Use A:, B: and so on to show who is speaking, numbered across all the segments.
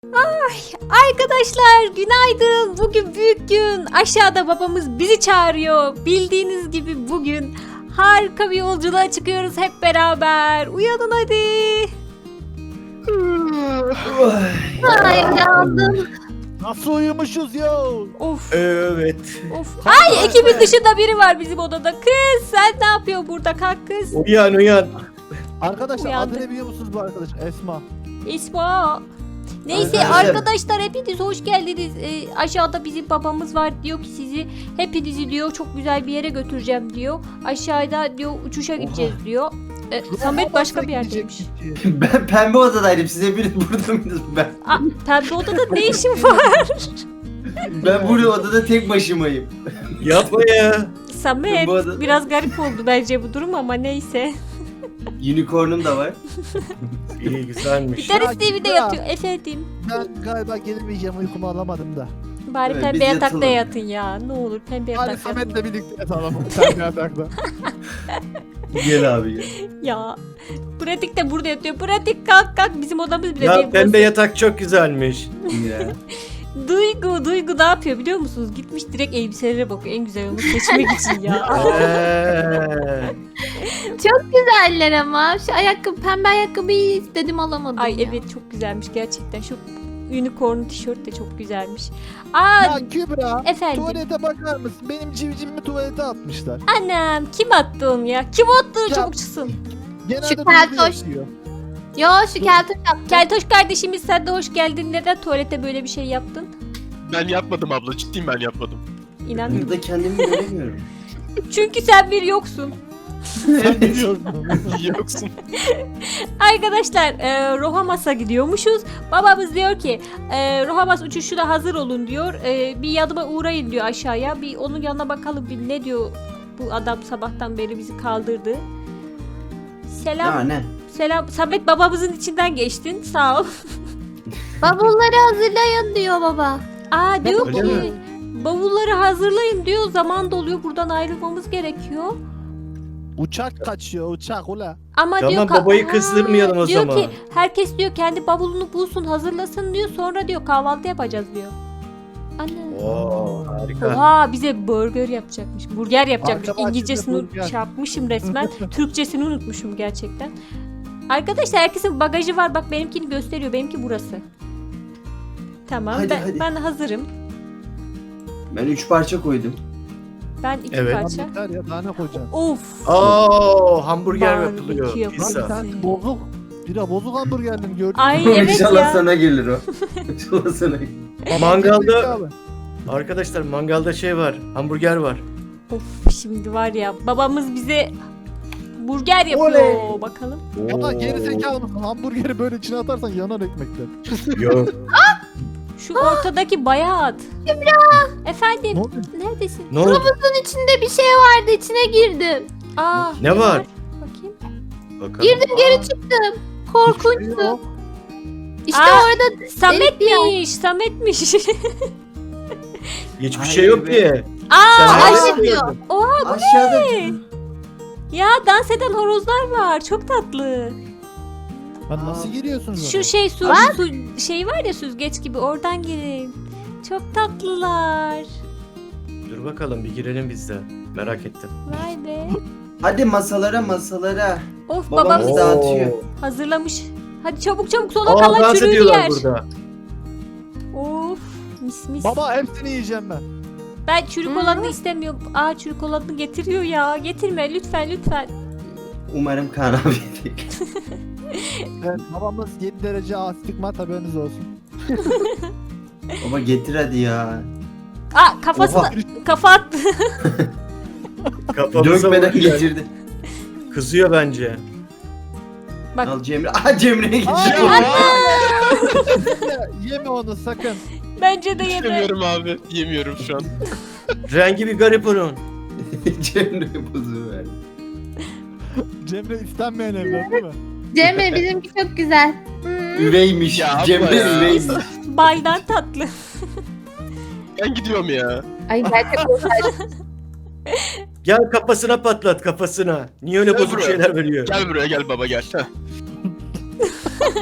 A: Arkadaşlar günaydın. Bugün büyük gün. Aşağıda babamız bizi çağırıyor. Bildiğiniz gibi bugün harika bir yolculuğa çıkıyoruz hep beraber. Uyanın hadi.
B: Ay uyandım.
C: Nasıl uyumuşuz ya?
A: Of
D: Evet.
A: of. Ay ekibin dışında biri var bizim odada. Kız sen ne yapıyorsun burada, kalk kız.
D: Uyan.
C: Arkadaşlar
A: Uyandık.
C: adı ne biliyor musunuz bu arkadaş? Esma.
A: İsma. Neyse
D: Arkadaşlar.
A: arkadaşlar hepiniz hoş geldiniz. Aşağıda bizim babamız var, diyor ki sizi hepinizi diyor çok güzel bir yere götüreceğim diyor. Aşağıda diyor uçuşa gideceğiz diyor. Samet başka bir yerdeymiş.
E: Ben pembe odadaydım. Siz hepiniz burada mıydınız?
A: Pembe odada ne işin var?
E: Ben burada odada tek başımayım.
D: Yapma ya.
A: Samet
E: Bu arada-
A: biraz garip oldu bence bu durum ama neyse.
E: Unicorn'um da var.
D: İyi güzelmiş.
A: Gitarist TV'de
C: ya.
A: yatıyor efendim.
C: Ben galiba gelemeyeceğim, uykumu alamadım da.
A: Bari
E: Evet,
A: pembe
E: biz
A: yatakta
E: yatalım.
A: yatın ya. Ne olur pembe
C: Hadi
A: yatakta.
C: Samet'le birlikte yatalım. Sen bir yatakta.
E: Gel abi gel.
A: Ya. Pratik de burada yatıyor. Pratik kalk bizim odamız bile
D: Ya
A: değil.
D: pembe
A: burası.
D: yatak çok güzelmiş.
E: Ya.
A: Duygu ne yapıyor biliyor musunuz? Gitmiş direkt elbiselere bakıyor. En güzel onu seçmek için ya.
B: Çok güzeller ama. Şu ayakkabı, pembe ayakkabıyı istedim alamadım
A: Ay
B: ya.
A: evet çok güzelmiş gerçekten. Şu unicorn tişört de çok güzelmiş. Aa
C: Ya Kübra,
A: efendim.
C: tuvalete bakar mısın? Benim civcivimi tuvalete atmışlar.
A: Annem kim attı onu ya? Kim attı
C: Ya.
A: çabuk çıksın.
C: Genelde
B: Şu
C: Duygu
B: keltoş.
C: yapıyor.
B: Yo şu keltoş yaptı.
A: Keltoş kardeşimiz sen de hoş geldin. Neden tuvalete böyle bir şey yaptın?
F: Ben yapmadım abla, ciddiyim ben yapmadım.
A: İnanmıyorum.
E: Burada kendimi göremiyorum.
A: Çünkü sen bir yoksun.
C: Sen biliyorsun.
F: Yoksun.
A: Arkadaşlar Rohamas'a gidiyormuşuz. Babamız diyor ki Rohamas uçuşuna hazır olun diyor. Bir yanıma uğrayın diyor aşağıya. Bir onun yanına bakalım bir ne diyor bu adam sabahtan beri bizi kaldırdı. Selam.
E: Ya ne?
A: Selam. Samet babamızın içinden geçtin. Sağ ol.
B: Bavulları hazırlayın diyor baba.
A: Aa diyor
D: Öyle
A: ki
D: mi?
A: bavulları hazırlayın diyor. Zaman doluyor. Buradan ayrılmamız gerekiyor.
C: Uçak kaçıyor, uçak ula.
A: Ama
D: Tamam,
A: diyor
D: babayı kızdırmayalım o
A: diyor
D: zaman.
A: ki herkes diyor kendi bavulunu bulsun hazırlasın diyor. Sonra diyor kahvaltı yapacağız diyor. Anne.
D: Oo, harika.
A: Oha bize burger yapacakmış. Burger yapacakmış.
C: Arka bahçede
A: İngilizcesini
C: burger.
A: çarpmışım resmen. Türkçesini unutmuşum gerçekten. Arkadaşlar herkesin bagajı var. Bak benimkini gösteriyor. Benimki burası. Tamam
E: Hadi,
A: ben,
E: hadi.
A: ben hazırım.
E: Ben 3 parça koydum.
A: Ben iki
D: Evet.
C: Lan
A: parça.
C: yeter ya, daha ne koyacaksın?
A: Of.
D: Oo, hamburger
A: Barbekü
D: yapılıyor.
A: yapılıyor.
D: Pizza.
C: Lan sen bozuk. Bira bozuk hamburgerlerini gördün mü?
A: Ay evet
E: İnşallah
A: ya.
E: sana gelir o. İnşallah sana gelir.
D: Mangalda
C: Abi.
D: arkadaşlar mangalda şey var. Hamburger var.
A: Of şimdi var ya babamız bize burger yapıyor.
E: Oley.
A: Bakalım.
C: Ama geri zekalı mısın? Hamburgeri böyle içine atarsan yanar ekmekten.
D: Yok.
A: Şu ortadaki bayağı at. Efendim
C: Ne oldu?
A: neredesin?
D: Ne oldu?
B: Bunun içinde bir şey vardı, içine girdim.
A: Aa,
D: Ne var?
A: Bakayım.
D: Bakalım.
B: Girdim geri çıktım.
C: Hiçbir şey
B: Korkunçtu.
C: yok.
B: İşte
A: Aa.
B: orada
A: Samet'miş. Samet'miş.
D: Hiçbir
E: Hayır
D: şey yok
E: be.
D: diye.
A: Aa,
D: Sen
B: ay,
D: nereden
B: şey diyor.
D: gördün?
E: Aşağıda
A: ya dans eden horozlar var. Çok tatlı.
C: Lan nasıl giriyorsunuz?
A: Şu
C: oraya?
A: şey su şey var ya süzgeç gibi oradan girin. Çok tatlılar.
D: Dur bakalım bir girelim biz de. Merak ettim.
A: Vay be.
E: Hadi masalara.
A: Of
E: Babamız
A: babamız
E: da- dağıtıyor.
A: hazırlamış. Hadi çabuk sola
D: Aa,
A: kalan
D: dans
A: çürüğü
D: ediyorlar
A: yer.
D: burada.
A: Of mis.
C: Baba hepsini yiyeceğim ben.
A: Ben çürük olanı istemiyorum. Aa çürük olanı getiriyor ya. Getirme lütfen.
E: Umarım Kaan abi yedik.
C: Evet, babamız 7 derece astigmat, haberiniz olsun.
E: Baba getir hadi ya.
A: Aa kafasına
E: Oha.
A: kafa attı.
D: Kafamıza
E: Dökmeden
D: vuracak.
E: getirdi.
D: Kızıyor bence.
A: Bak.
E: Al Cemre. Aha Cemre'ye
C: Ay,
E: getir.
C: Yeme onu sakın.
A: Bence de yeme.
F: Yemiyorum abi, yemiyorum şu an.
D: Rengi bir garip onun.
E: Cemre bozuğu verdi.
C: Cemre istenmeyen evlat değil mi?
B: Cemre bizimki çok güzel.
E: Üveymiş.
F: Ya abla
E: Cemre
F: ya.
E: üveymiş.
A: Baydan tatlı.
F: Ben gidiyorum ya.
B: Ay gerçek olsaydı.
D: Gel kafasına patlat kafasına. Niye öyle
F: Gel
D: bozuk
F: buraya.
D: şeyler veriyor?
F: Gel buraya gel baba gel. Heh.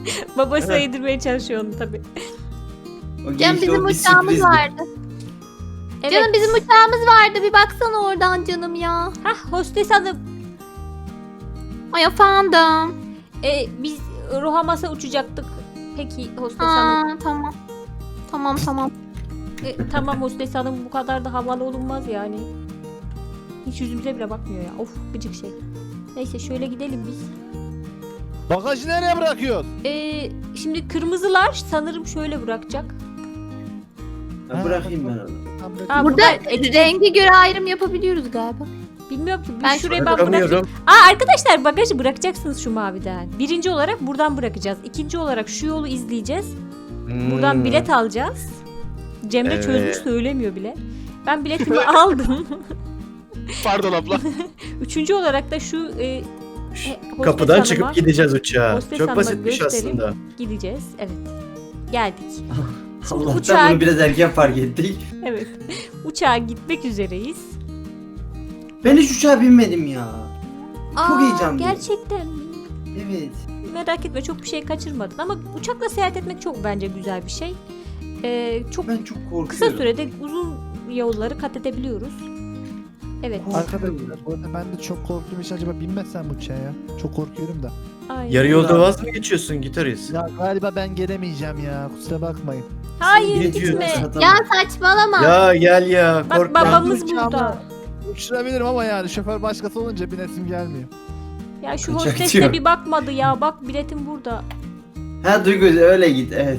A: Babası
D: Evet.
A: yedirmeye çalışıyor onu tabii.
E: O
B: Canım
E: geçti,
B: bizim
E: o bir
B: uçağımız
E: sürprizdi.
B: vardı.
A: Evet.
B: Canım bizim uçağımız vardı. Bir baksana oradan canım ya.
A: Hah, hostes hanım.
B: Ay efendim.
A: Biz Rohamas'a uçacaktık. Peki hostes hanım.
B: Ha, tamam. Tamam.
A: Tamam hostes hanım, bu kadar da havalı olunmaz yani. Hiç yüzümüze bile bakmıyor ya. Of, gıcık şey. Neyse şöyle gidelim biz.
C: Bagajı nereye bırakıyorsun?
A: Şimdi kırmızılar sanırım şöyle bırakacak.
E: Ha, bırakayım ben onu.
C: Tam böyle-
A: Ha,
B: Burada
A: etiket-
B: renge göre ayrım yapabiliyoruz galiba.
A: Bilmiyorum ki.
B: Ben
A: Şuraya ben bırakacağım.
D: Bırakamıyorum.
A: Arkadaşlar bagajı bırakacaksınız şu maviden. Birinci olarak buradan bırakacağız. İkinci olarak şu yolu izleyeceğiz. Buradan
D: Hmm.
A: bilet alacağız. Cemre
D: Evet.
A: çözmüş, söylemiyor bile. Ben biletimi aldım.
F: Pardon abla.
A: Üçüncü olarak da şu hostes
D: Kapıdan
A: hanıma
D: çıkıp gideceğiz uçağa.
A: hostes
D: Çok
A: hanıma
D: basitmiş
A: göstereyim.
D: aslında.
A: gideceğiz. Evet. Geldik. Şimdi
E: Allah'tan
A: uçağa,
E: bunu biraz erken fark ettik.
A: evet. Uçağa gitmek üzereyiz.
E: Ben hiç uçağa binmedim ya. Çok heyecanlıyım.
A: Gerçekten mi?
E: Evet.
A: Merak etme, çok bir şey kaçırmadın ama uçakla seyahat etmek çok bence güzel bir şey. Çok
E: Ben çok korkuyorum.
A: kısa sürede uzun yolları kat edebiliyoruz. Evet.
C: Arkadaşlar bu arada ben de çok korktuğum için acaba binmezsem uçağa ya. Çok korkuyorum da.
A: Aynen.
D: Yarı yolda vaz mı geçiyorsun gitarist?
C: Ya galiba ben gelemeyeceğim ya. Kusura bakmayın.
A: Hayır,
D: Ne
A: gitme.
D: diyorsun?
B: Ya saçmalama.
D: Ya gel ya,
A: Bak
D: korkma.
A: babamız
C: Uçağımı
A: burada.
C: Uçurabilirim ama yani şoför başkası olunca binesim gelmiyor.
A: Ya şu
E: Uçak
A: hostes
E: diyor.
A: de bir bakmadı ya. Bak biletim burada.
E: Ha Duygu öyle git evet.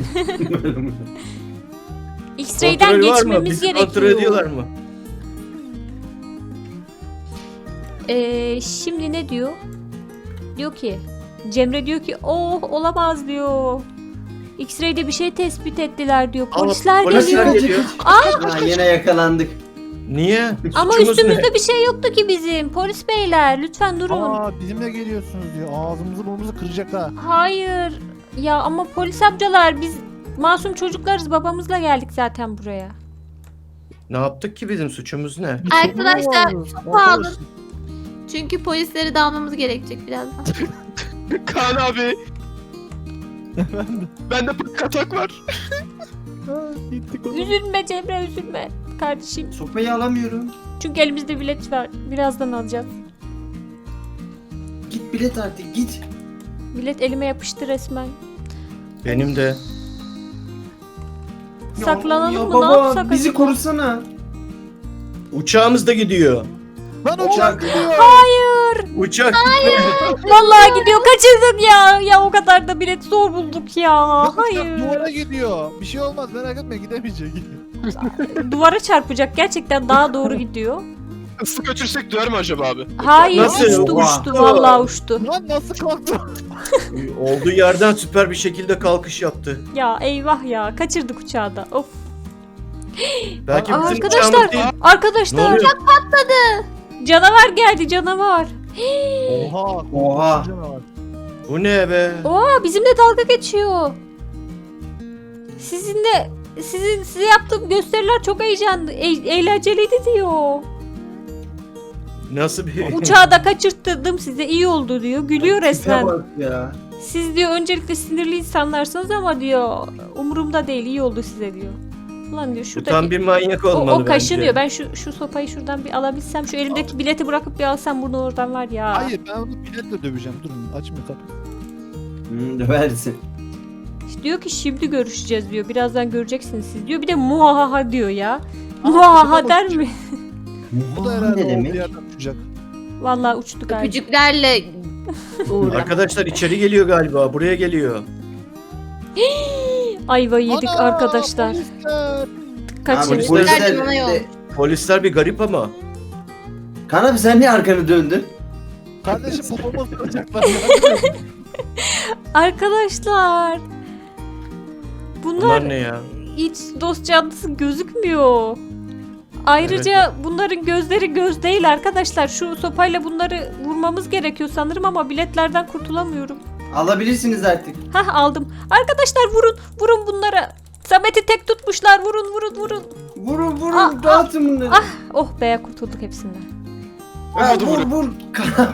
A: X-ray'den
D: Kontrol var mı?
A: geçmemiz
D: Bizi
A: gerekiyor.
D: kontrol ediyorlar mı?
A: Şimdi ne diyor? Diyor ki Cemre diyor ki oh olamaz diyor. X-ray'de bir şey tespit ettiler diyor. Polisler
D: Polisler
A: geliyor.
D: geliyor.
E: Ha, yine yakalandık.
D: Niye?
A: Ama
D: Suçumuz
A: üstümüzde
D: ne?
A: bir şey yoktu ki bizim. Polis beyler lütfen durun.
C: Aa bizimle geliyorsunuz diyor. Ağzımızı burnumuzu kıracak ha.
A: Hayır. Ya ama polis amcalar biz masum çocuklarız. Babamızla geldik zaten buraya.
D: Ne yaptık ki, bizim suçumuz ne?
B: Arkadaşlar
C: çok
B: pahalı. Çünkü polisleri de almamız gerekecek birazdan.
F: Kaan abi. Bende katak var.
C: Gittik oğlum.
A: Üzülme Cemre, üzülme kardeşim.
E: Sopayı alamıyorum.
A: Çünkü elimizde bilet var. Birazdan alacağız.
E: Git bilet artık git.
A: Bilet elime yapıştı resmen.
D: Benim de.
A: Saklanalım
E: ya
A: mı?
E: baba,
A: Ne yapsak
E: bizi
A: acaba?
E: korusana.
D: Uçağımız da gidiyor.
C: Lan uçak gidiyor.
D: Uçak gidiyor.
A: Vallahi gidiyor. Kaçırdık ya. Ya o kadar da bilet zor bulduk ya. Hayır.
C: Duvara gidiyor. Bir şey olmaz merak etme gidemeyecek.
A: Duvara çarpacak. Gerçekten daha doğru gidiyor.
F: Isı götürsek duyar mı acaba abi?
A: Hayır,
D: Nasıl?
A: uçtu
E: Oha.
A: uçtu. Vallahi uçtu.
C: Lan nasıl korktun?
D: Olduğu yerden süper bir şekilde kalkış yaptı.
A: Ya eyvah ya. Kaçırdık uçağı da. Of.
D: Belki bizim
A: Arkadaşlar,
D: uçağımız değil. Ne
A: arkadaşlar.
D: oluyor?
A: Canavar geldi, canavar.
C: Oha.
E: Oha.
C: Canavar.
D: Bu ne be?
A: Oha, bizimle dalga geçiyor. Size yaptığım gösteriler çok heyecanlı, eğlenceliydi diyor.
D: Nasıl bir...
A: Uçağı da kaçırttırdım size, iyi oldu diyor. Gülüyor resmen.
E: Tipe bak ya.
A: Siz diyor öncelikle sinirli insanlarsınız ama diyor umurumda değil, iyi oldu size diyor. Ulan diyor
D: Bu
A: şurada
D: tam bir manyak olmalı
A: o kaşınıyor.
D: bence.
A: Ben şu sopayı şuradan bir alabilsem, şu elimdeki bileti bırakıp bir alsam bunu oradan var ya.
C: Hayır ben onu biletle döveceğim. Durun açma kapı.
E: Döversin.
A: İşte diyor ki şimdi görüşeceğiz diyor. Birazdan göreceksiniz siz diyor. Bir de muhaha diyor ya. Muhaha der mi?
C: Bu da
E: Aa,
C: herhalde
E: ne
C: olduğu
E: demek?
C: yerden uçacak.
A: Vallahi uçtu galiba.
B: Öpücüklerle uğurlama.
D: Arkadaşlar içeri geliyor galiba. Buraya geliyor.
A: Ayvayı yedik
C: Ana,
A: arkadaşlar.
C: polisler.
A: Kaçın.
E: Abi,
B: Polisler bana yol.
D: Polisler bir garip ama.
E: Kaan abi sen niye arkanı döndün?
C: Kardeşim popoma sıracaklar.
A: Arkadaşlar. Bunlar
D: Bunlar ne ya?
A: hiç dost canlısı gözükmüyor. Ayrıca bunların gözleri göz değil arkadaşlar. Şu sopayla bunları vurmamız gerekiyor sanırım ama biletlerden kurtulamıyorum.
E: Alabilirsiniz artık.
A: Hah, aldım. Arkadaşlar vurun bunlara. Samet'i tek tutmuşlar. Vurun.
E: Vurun
A: Ah,
E: dağıtın bunları.
A: Oh be, kurtulduk hepsinden.
E: Ha,
F: Vurdu,
E: vur Kaan abi.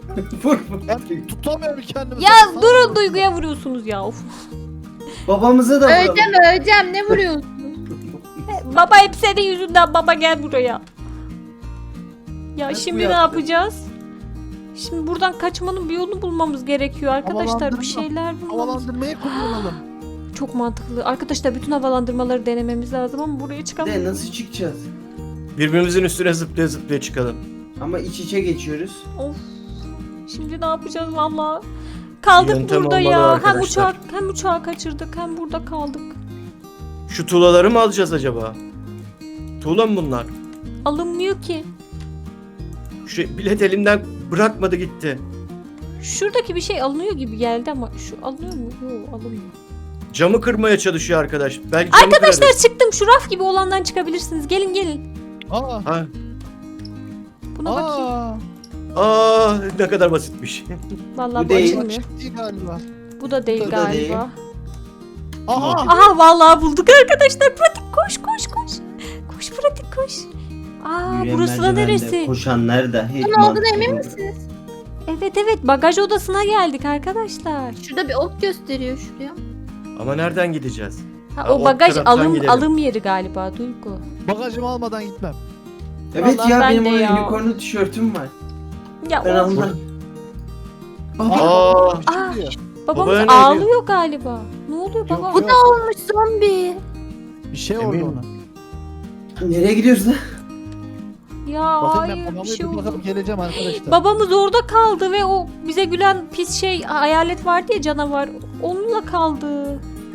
E: Vur.
C: Ben tutamıyorum kendimi.
A: Ya
C: Sana
A: durun,
C: vuruyorum.
A: Duygu'ya vuruyorsunuz ya. Of.
E: Babamıza da vuralım.
B: Öleceğim ne vuruyorsun?
A: Baba hep senin yüzünden, baba gel buraya. Ya
E: Nasıl
A: şimdi ne
E: yaptın?
A: yapacağız? Şimdi buradan kaçmanın bir yolunu bulmamız gerekiyor arkadaşlar.
C: Havalandırma.
A: Bir şeyler bulmamız.
C: Havalandırmayı kullanalım.
A: Çok mantıklı. Arkadaşlar bütün havalandırmaları denememiz lazım ama buraya
E: De
A: çıkamayız.
E: nasıl çıkacağız?
D: Birbirimizin üstüne zıplaya zıplaya çıkalım.
E: Ama iç içe geçiyoruz.
A: Of. Şimdi ne yapacağız valla? Kaldık
D: Yöntem
A: burada
D: olmalı
A: ya.
D: arkadaşlar.
A: Hem uçağı kaçırdık hem burada kaldık.
D: Şu tuğlaları mı alacağız acaba? Tuğla mı bunlar?
A: Alınmıyor ki.
D: Şu bilet elimden bırakmadı gitti.
A: Şuradaki bir şey alınıyor gibi geldi ama şu alınıyor mu? Yok, alınmıyor.
D: Camı kırmaya çalışıyor arkadaş. Belki camı
A: Arkadaşlar
D: kırarız.
A: çıktım. Şu raf gibi olandan çıkabilirsiniz. Gelin gelin.
C: Aa.
D: Ha.
A: Buna bakayım.
C: Aa.
D: Ne kadar basitmiş.
A: Vallahi
E: Bu
A: bu
E: değil.
A: açılmıyor.
C: Değil galiba.
A: Bu da değil
E: Bu da değil.
A: galiba.
C: Aha.
A: Aha vallahi bulduk arkadaşlar. Pratik koş koş koş. Koş pratik koş. Aa
E: Yürüyen
A: burası da
E: merdivende
A: neresi?
E: Koşanlar da hiç
B: Ne olduğunu
E: mantıklı
B: emin
E: değil.
B: misiniz?
A: Evet bagaj odasına geldik arkadaşlar.
B: Şurada bir ok gösteriyor şuraya.
D: Ama nereden gideceğiz?
A: Ha,
D: Ha,
A: o
D: o
A: bagaj
D: taraftan gidelim.
A: alım yeri galiba Duygu.
C: Bagajımı almadan gitmem.
E: Evet
A: Vallahi
E: ya
A: ben
E: benim
A: de
E: o
A: ya.
E: unicornlu tişörtüm var.
A: Ya
E: Ben
A: of,
E: almam. Baba.
D: Aa,
A: Aa.
C: Çıkıyor.
A: babamız
D: Babaya ne
A: ağlıyor galiba. Ne oluyor baba?
C: Yok,
B: Bu
C: yok.
B: da olmuş zombi.
C: Bir şey
D: Emin
C: oldu
D: mi?
C: ona.
E: Nereye gidiyoruz lan?
A: Ya
C: Bakayım ben
A: hayır bir
C: babamı
A: şey
C: bir
A: oldu.
C: bakıp geleceğim arkadaşlar.
A: Babamız orada kaldı ve o bize gülen pis şey hayalet vardı ya, canavar. Onunla kaldı.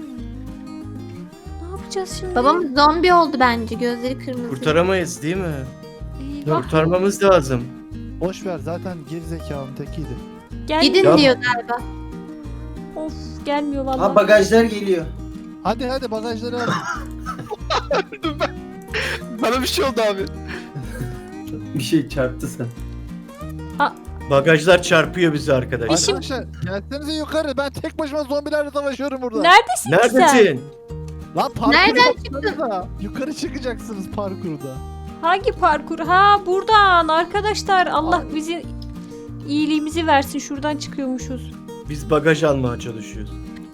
A: Ne yapacağız şimdi?
B: Babamız zombi oldu bence. Gözleri kırmızı.
D: kurtaramayız değil mi?
A: Eyvah.
D: Kurtarmamız lazım.
C: Boş ver zaten gerizekalının tekiydi.
A: Gelmiyor.
B: Gidin
D: Ya-
B: diyor galiba.
A: Of gelmiyor vallahi.
E: Ha bagajlar geliyor.
C: Hadi bagajları al.
F: Bana bir şey oldu abi.
E: Bir şey çarptı sen.
D: Bagajlar çarpıyor bizi arkadaş.
A: İşim-
C: Arkadaşlar gelsenize yukarı. Ben tek başıma zombilerle savaşıyorum burada.
A: Neredesin ki sen?
D: Neredesin?
C: Lan parkur
B: Nereden
C: yapsanıza. Yukarı çıkacaksınız parkurda.
A: Hangi parkur? Ha buradan arkadaşlar. Allah bizi iyiliğimizi versin. Şuradan çıkıyormuşuz.
D: Biz bagaj almaya çalışıyoruz.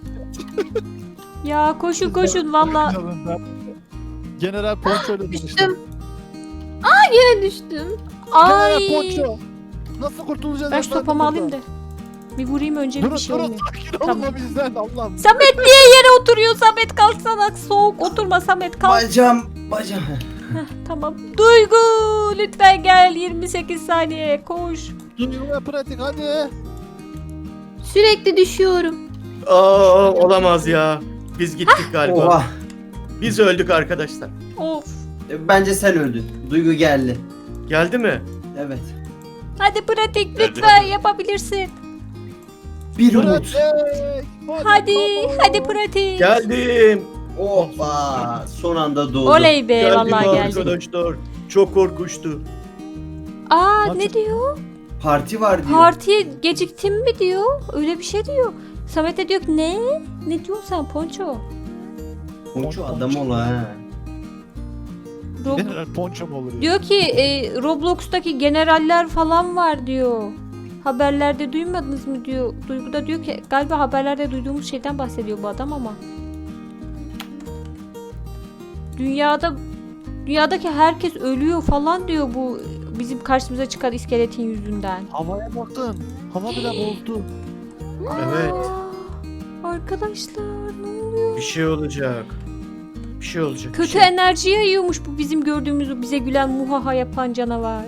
A: Ya koşun valla.
C: General Poncho ile tanıştım.
B: Düştüm. Yine düştüm.
C: General
A: Ay.
C: Poncho. Nasıl kurtulacağız?
A: Ben şu
C: efendim
A: topamı alayım
C: buradan?
A: da. Bir vurayım önce
C: Durun
A: bir şey
C: durun
A: olmuyor.
C: sakin olma
A: Tamam.
C: bizden Allah'ım.
A: Samet niye yere oturuyor? Samet kalksana. Soğuk oturma Samet kalk.
E: Bacağım.
A: Tamam. Duygu lütfen gel. 28 saniye koş.
C: Duygu ve pratik hadi.
B: Sürekli düşüyorum.
D: Aa, olamaz ya. Biz gittik galiba.
E: Oha.
D: Biz öldük arkadaşlar.
A: Of.
E: Bence sen öldün. Duygu geldi.
D: Geldi mi?
E: Evet.
A: Hadi pratik lütfen yapabilirsin.
E: Bir umut.
C: Pratik.
A: Hadi
C: baba.
A: hadi pratik.
D: Geldim.
E: Oha. Son anda doğdu.
A: Oley be
D: Geldim
A: vallahi geldim.
D: arkadaşlar. Çok korkunçtu.
A: Aa
C: Bak-
A: ne diyor?
E: Parti var diyor.
A: Partiye geciktim mi diyor? Öyle bir şey diyor. Samet de diyor ki ne? Ne diyorsun sen Ponço?
E: Ponço adam ol ha.
A: Rob-
C: General Poncho mu olur ya?
A: diyor ki Roblox'taki generaller falan var diyor. Haberlerde duymadınız mı diyor. Duygu da diyor ki galiba haberlerde duyduğumuz şeyden bahsediyor bu adam ama. Dünyadaki herkes ölüyor falan diyor bu bizim karşımıza çıkan iskeletin yüzünden.
C: Havaya bakın. Hava bile bozdu.
D: Evet.
A: Aa, arkadaşlar ne oluyor?
D: Bir şey olacak. Bir şey olacak. bir
A: Kötü
D: şey.
A: enerji yayıyormuş bu bizim gördüğümüz o bize gülen muhaha yapan canavar.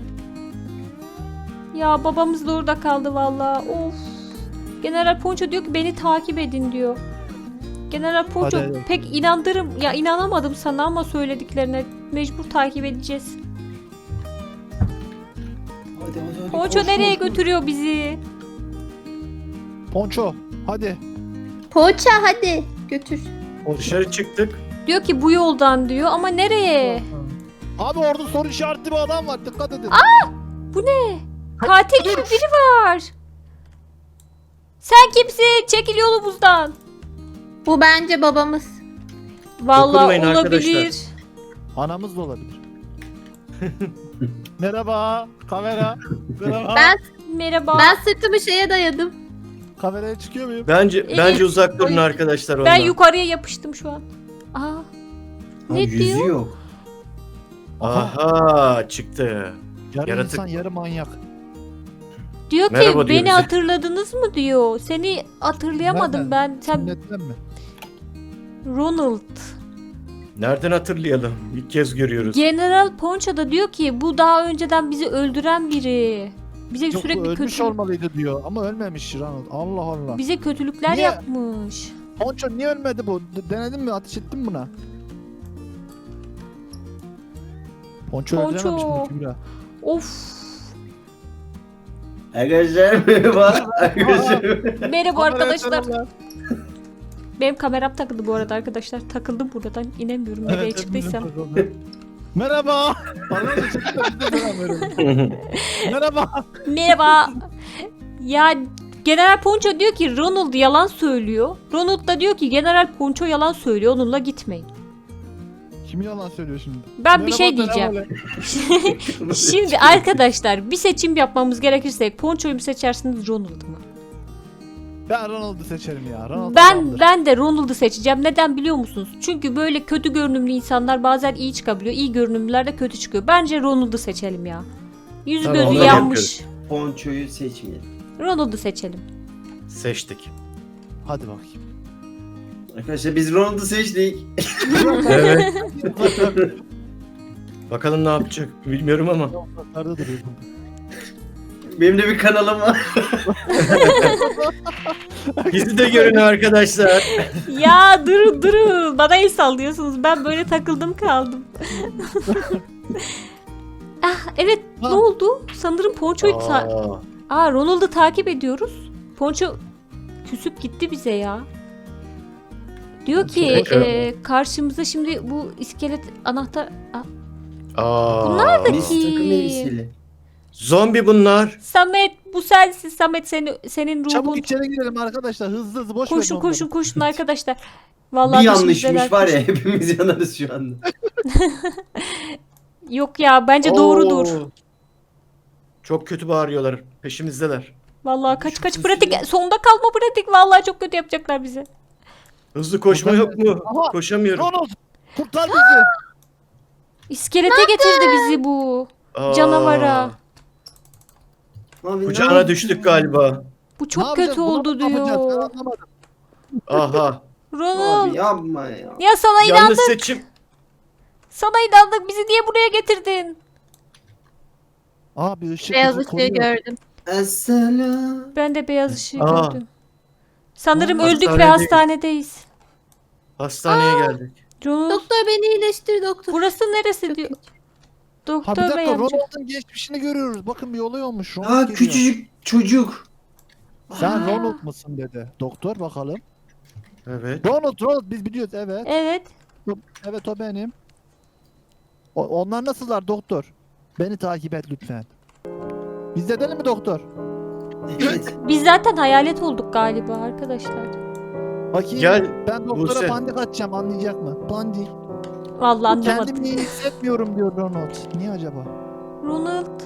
A: Ya babamız da orada kaldı valla. Of. General Ponço diyor ki beni takip edin diyor. General Ponço
C: Hadi.
A: pek inanamadım sana ama söylediklerine mecbur takip edeceğiz.
E: Hadi.
A: Ponço
E: koş,
A: nereye
E: koş, koş.
A: götürüyor bizi?
C: Poncho hadi.
B: Poğaça hadi götür.
D: Dışarı çıktık.
A: Diyor ki bu yoldan diyor ama nereye?
C: Abi orada soru işaretli bir adam var dikkat edin.
A: Bu ne? Katil gibi biri var. Sen kimsin? Çekil yolumuzdan.
B: Bu bence babamız.
A: Vallahi
D: Dokunmayın
A: olabilir.
D: arkadaşlar.
C: Anamız da olabilir. Merhaba kamera. Merhaba.
B: Ben
A: Merhaba.
B: Ben sırtımı şeye dayadım.
C: Kameraya çıkıyor muyum?
D: Bence uzak durun arkadaşlar ondan.
A: Ben yukarıya yapıştım şu an. Aa.
E: Ha,
A: Ne
E: yüzü
A: diyor?
E: yok.
D: Aha çıktı.
C: Yarı
D: Yaratık.
C: insan yarı manyak.
A: Diyor ki
D: Merhaba diyor
A: beni
D: bize.
A: hatırladınız mı diyor. Seni hatırlayamadım
C: Nereden?
A: ben. Sen
C: Sünnetten mi?
A: Ronald.
D: Nereden hatırlayalım? İlk kez görüyoruz.
A: General Poncho da diyor ki bu daha önceden bizi öldüren biri. Bize
C: Çok
A: sürekli
C: ölmüş olmalıydı diyor ama ölmemiş Ronald. Allah Allah.
A: bize kötülükler
C: Niye?
A: yapmış.
C: Ponço niye ölmedi bu? Denedin mi? Ateş ettin mi buna? Ponço
A: Ponço.
C: öldürememiş bunu Kübra.
A: Of.
E: Arkadaşlar merhaba. Arkadaşlar.
A: Merhaba arkadaşlar.
C: Kameraya
A: Benim kameram takıldı bu arada arkadaşlar. Takıldım buradan. İnemiyorum nereye
C: Evet,
A: çıktıysam.
C: Merhaba. Arkadaşlar çıktı, biz de selam verelim. Merhaba.
A: Merhaba. Ya General Poncho diyor ki Ronald yalan söylüyor. Ronald da diyor ki General Poncho yalan söylüyor. Onunla gitmeyin.
C: Kim yalan söylüyor şimdi?
A: Ben bir şey
C: Merhaba,
A: diyeceğim.
C: merhaba.
A: Şimdi arkadaşlar bir seçim yapmamız gerekirse Poncho'yu mu seçersiniz Ronald'ı mı?
C: Ben Ronald'ı seçerim ya. Ronald
A: Ben
C: adamdır.
A: ben de Ronald'ı seçeceğim. Neden biliyor musunuz? Çünkü böyle kötü görünümlü insanlar bazen iyi çıkabiliyor. İyi görünümlüler de kötü çıkıyor. Bence Ronald'ı seçelim ya. Yüzü
D: Tamam,
A: gözü
D: onu
A: yanmış.
E: Ponçoyu seçmeyelim.
A: Ronald'ı seçelim.
D: Seçtik.
C: Hadi bakayım.
E: Arkadaşlar biz Ronald'ı seçtik.
D: Evet. Bakalım ne yapacak bilmiyorum ama.
C: Yukarıda duruyor burada.
E: Benim de bir kanalım var.
D: Bizi de görün arkadaşlar.
A: Ya durun. Bana el sallıyorsunuz. Ben böyle takıldım kaldım. Ah evet
C: Ha.
A: ne oldu? Sanırım Poncho'yu
D: Aa,
A: Ronald'ı takip ediyoruz. Poncho küsüp gitti bize ya. Diyor ki
D: Poncho.
A: karşımıza şimdi bu iskelet anahtar...
D: Bunlar da
E: Biz takım elbiseli.
D: Zombi bunlar.
A: Samet bu sensin. Samet senin ruhun.
C: Çabuk içeri girelim arkadaşlar. Hızlı hızlı boş
A: Koşun
C: verin
A: koşun
C: onları.
A: koşun arkadaşlar. Vallahi
E: Bir
A: dışımızdalar,
E: yanlışmış var ya
A: koşun.
E: hepimiz yanarız şu anda.
A: Yok ya bence doğrudur.
D: Oo. Çok kötü bağırıyorlar. Peşimizdeler.
A: Vallahi kaç
E: Çok
A: pratik.
E: üzüldüm.
A: Sonda kalma pratik. Vallahi çok kötü yapacaklar bize.
D: Hızlı koşma yok mu?
C: Aha.
D: Koşamıyorum.
C: Ronald kurtar bizi.
A: İskelete getirdi bizi bu.
D: Aa,
A: Canavara.
E: Abi, ne
D: Kucağına
E: yaptın?
D: düştük galiba.
A: Bu
C: Ne
A: çok
C: yapacağız?
A: kötü
C: Buna
A: oldu
C: mı yapacağız? Ben
A: diyor.
C: anlamadım.
D: Aha.
A: Ronald.
E: Abi yapma ya.
A: Ya sana
D: Yanlış
A: inandık.
D: seçim.
A: Sana inandık. Bizi niye buraya getirdin?
C: Aa bir ışık
B: Beyaz
C: bizi
B: ışığı
C: koruyor.
B: gördüm.
E: Esselam.
A: Ben de beyaz ışığı
D: Aa.
A: gördüm. Sanırım
D: Aa,
A: öldük ve
D: hastanedeyiz.
A: hastanedeyiz.
D: Hastaneye geldik.
A: Ronald.
B: Doktor beni iyileştir doktor.
A: Burası neresi
B: Çok
A: diyor.
B: kötü.
C: Ha bir
A: Doktor bey
C: dakika
A: amca.
C: Ronald'ın geçmişini görüyoruz. Bakın bir olay olmuş. Ronald
E: Aa
C: geliyor.
E: küçücük çocuk.
C: Sen
A: Aa.
C: Ronald mısın dedi. Doktor bakalım.
D: Evet.
C: Ronald biz biliyoruz evet.
A: Evet.
C: Evet o benim. Onlar nasıllar doktor? Beni takip et lütfen. Biz de edelim mi doktor?
E: Evet.
A: Biz zaten hayalet olduk galiba arkadaşlar.
C: Bakayım
D: Gel.
C: ben doktora
D: Buse.
C: pandik atacağım anlayacak mı? Pandik.
A: Vallahi anlamadım.
C: Kendimi iyi hissetmiyorum diyor Ronald. Niye acaba?
A: Ronald.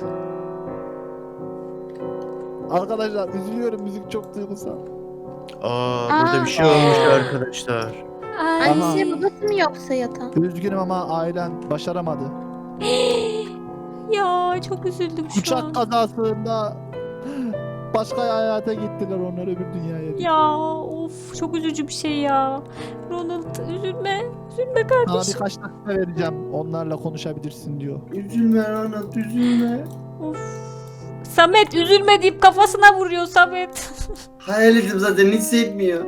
C: Arkadaşlar üzülüyorum müzik çok duygusal.
D: Burada bir şey olmuş arkadaşlar.
A: Ay.
B: Annesi babası mı yoksa yatan?
C: Üzgünüm ama ailen başaramadı.
A: Ya çok üzüldüm şu
C: Uçak
A: an.
C: kazasında başka hayata gittiler onlar öbür dünyaya.
A: Ya of çok üzücü bir şey ya. Ronald üzülme. Üzülme
C: Sana
A: kardeşim.
C: birkaç dakika vereceğim. Onlarla konuşabilirsin diyor.
E: Üzülme Ronald üzülme.
A: Of. Samet üzülme deyip kafasına vuruyor Samet.
E: Hayal ettim zaten hissetmiyor.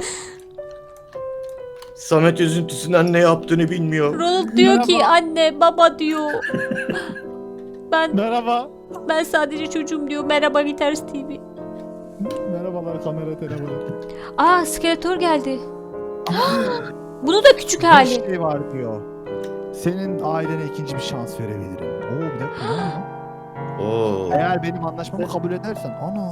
D: Samet üzüntüsünden ne yaptığını bilmiyor.
A: Ronald diyor ki anne baba diyor. Ben
C: Merhaba.
A: sadece çocuğum diyor. Merhaba Viters TV.
C: Merhabalar kamera telefonu.
A: Aa Skeletor geldi. Bunu da küçük
C: Bir
A: hali.
C: şey var diyor. Senin ailene ikinci bir şans verebilirim. Oo bir dakika. ne oluyor?
D: Oo.
C: Eğer benim anlaşmamı kabul edersen. Ana.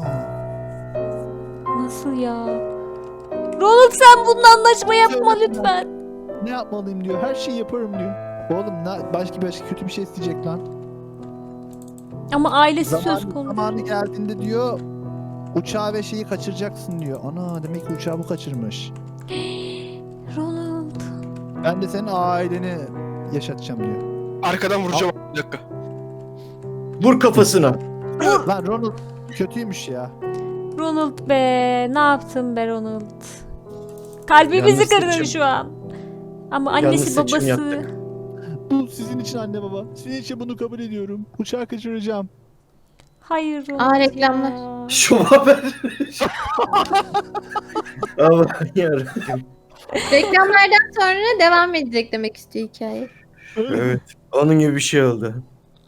A: Nasıl ya? Ronald sen bununla anlaşma yapma lütfen.
C: Ne yapmalıyım diyor. Her şeyi yaparım diyor. Oğlum başka kötü bir şey isteyecek lan.
A: Ama ailesi söz konusu.
C: Zamanı geldiğinde diyor uçağı ve şeyi kaçıracaksın diyor. Ana demek ki uçağı bu kaçırmış.
A: Ronald.
C: Ben de senin aileni yaşatacağım diyor.
F: Arkadan vuracağım. Bir dakika.
D: Vur kafasına.
C: Lan Ronald kötüymüş ya.
A: Ronald be. Ne yaptın be Ronald? Kalbimizi
D: Yanlış
A: kırdın
D: seçim.
A: şu an. Ama
D: Yanlış
A: annesi
D: seçim
A: babası.
D: yaptık.
C: Bu sizin için anne baba. Sizin için bunu kabul ediyorum. Uçağı kaçıracağım.
A: Hayır Ronald.
B: Aa, reklamlar.
A: ya.
E: Şu haber.
D: Aman yarabbim.
B: Reklamlardan sonra devam edecek demek istiyor hikaye.
D: Evet. Onun gibi bir şey oldu.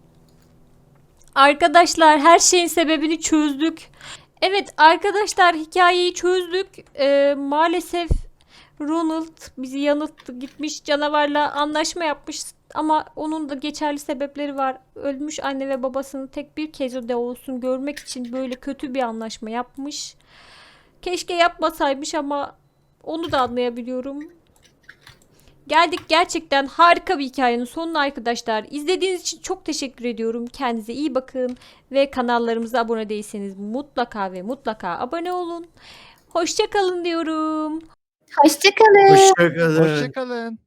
A: Arkadaşlar her şeyin sebebini çözdük. Evet arkadaşlar hikayeyi çözdük. Maalesef Ronald bizi yanılttı. Gitmiş canavarla anlaşma yapmış. Ama onun da geçerli sebepleri var. Ölmüş anne ve babasını tek bir kez de olsun görmek için böyle kötü bir anlaşma yapmış. Keşke yapmasaymış ama onu da anlayabiliyorum. Geldik gerçekten harika bir hikayenin sonuna arkadaşlar. İzlediğiniz için çok teşekkür ediyorum. Kendinize iyi bakın ve kanallarımıza abone değilseniz mutlaka ve mutlaka abone olun. Hoşça kalın diyorum.
B: Hoşçakalın.
D: Hoşçakalın.
C: Hoşçakalın.